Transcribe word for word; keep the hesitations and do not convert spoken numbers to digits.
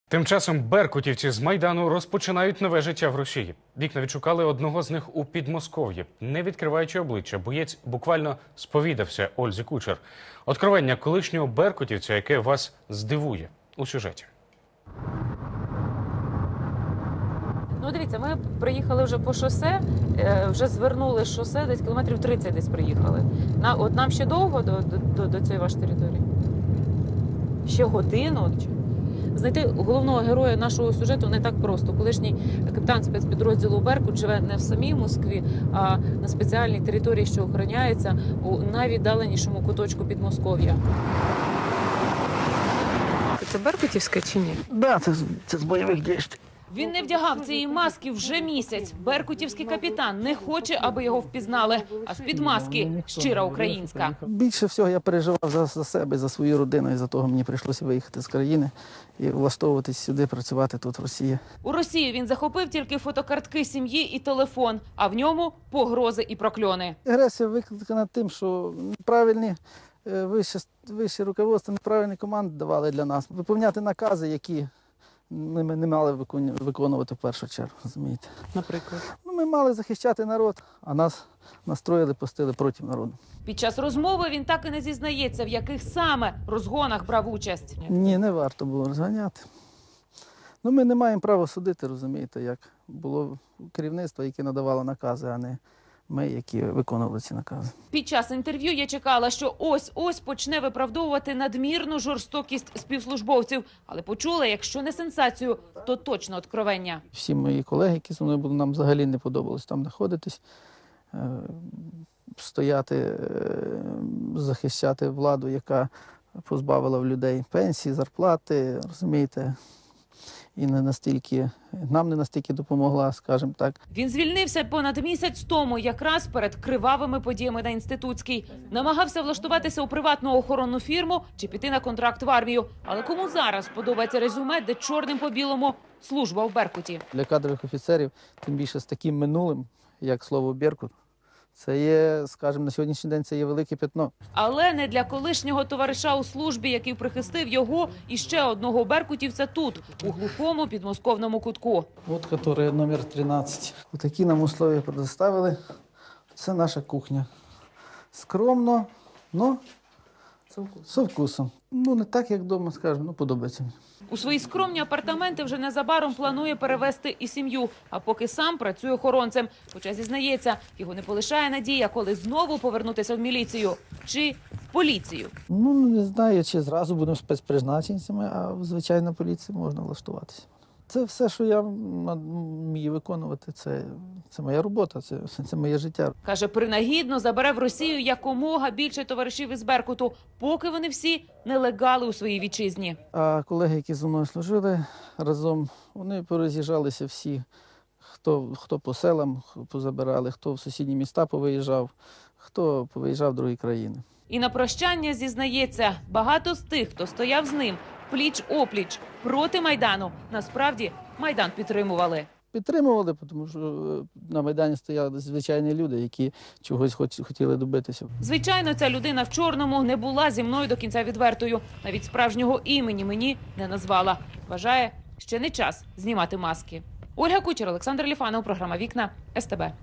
Тим часом беркутівці з Майдану розпочинають нове життя в Росії. Вікна відшукали одного з них у Підмосков'ї. Не відкриваючи обличчя, боєць буквально сповідався Ользі Кучер. Откровення колишнього беркутівця, яке вас здивує у сюжеті. Ну, дивіться, ми приїхали вже по шосе, вже звернули з шосе, десь кілометрів тридцять десь приїхали. На, от нам ще довго до, до, до цієї вашої території? Ще годину? Знайти головного героя нашого сюжету не так просто. Колишній капітан спецпідрозділу «Беркут» живе не в самій Москві, а на спеціальній території, що охороняється у найвіддаленішому куточку Підмосков'я. Це беркутівське чи ні? Да, це, це з бойових дій. Він не вдягав цієї маски вже місяць. Беркутівський капітан не хоче, аби його впізнали. А з-під маски щира українська. Більше всього я переживав за, за себе, за свою родину, і за того мені прийшлося виїхати з країни і влаштовуватись сюди, працювати тут, в Росії. У Росії він захопив тільки фотокартки сім'ї і телефон, а в ньому погрози і прокльони. Агресія викликана тим, що неправильні е, вище, вище руководство, неправильні команди давали для нас. Виповняти накази, які ми не мали виконувати в першу чергу, розумієте. Наприклад? Ну, ми мали захищати народ, а нас настроїли, пустили проти народу. Під час розмови він так і не зізнається, в яких саме розгонах брав участь. Ні, не варто було розганяти. Ну, ми не маємо права судити, розумієте, як було керівництво, яке надавало накази, а не ми, які виконували ці накази. Під час інтерв'ю я чекала, що ось-ось почне виправдовувати надмірну жорстокість співслужбовців. Але почула, якщо не сенсацію, то точно откровення. Всі мої колеги, які зі мною були, нам взагалі не подобалось там знаходитись, е, стояти, е, захищати владу, яка позбавила в людей пенсії, зарплати, розумієте. І не настільки, нам не настільки допомогла, скажімо так. Він звільнився понад місяць тому, якраз перед кривавими подіями на Інститутській. Намагався влаштуватися у приватну охоронну фірму чи піти на контракт в армію. Але кому зараз подобається резюме, де чорним по білому служба в Беркуті? Для кадрових офіцерів, тим більше з таким минулим, як слово «Беркут», це є, скажімо, на сьогоднішній день це є велике пятно. Але не для колишнього товариша у службі, який прихистив його і ще одного беркутівця тут, у глухому підмосковному кутку. От, який номер тринадцять. Отакі нам условия предоставили. Це наша кухня. Скромно, но з вкусом. Ну, не так, як вдома, скажімо, ну, подобається мені. У свої скромні апартаменти вже незабаром планує перевезти і сім'ю, а поки сам працює охоронцем. Хоча, зізнається, його не полишає надія, коли знову повернутися в міліцію чи в поліцію. Ну, не знаю, чи зразу будемо спецпризначенцями, а в звичайній поліції можна влаштуватися. Це все, що я вмію виконувати, це, це моя робота, це, це моє життя. Каже, принагідно забере в Росію якомога більше товаришів із Беркуту, поки вони всі нелегали у своїй вітчизні. А колеги, які зі мною служили разом, вони пороз'їжджалися всі, хто, хто по селам позабирали, хто в сусідні міста повиїжджав, хто повиїжджав в другі країни. І на прощання зізнається, багато з тих, хто стояв з ним пліч-опліч проти Майдану, насправді Майдан підтримували. Підтримували, тому що на Майдані стояли звичайні люди, які чогось хотіли добитися. Звичайно, ця людина в чорному не була зі мною до кінця відвертою. Навіть справжнього імені мені не назвала. Вважає, ще не час знімати маски. Ольга Кучер, Олександр Ліфанов, програма «Вікна», ес те бе.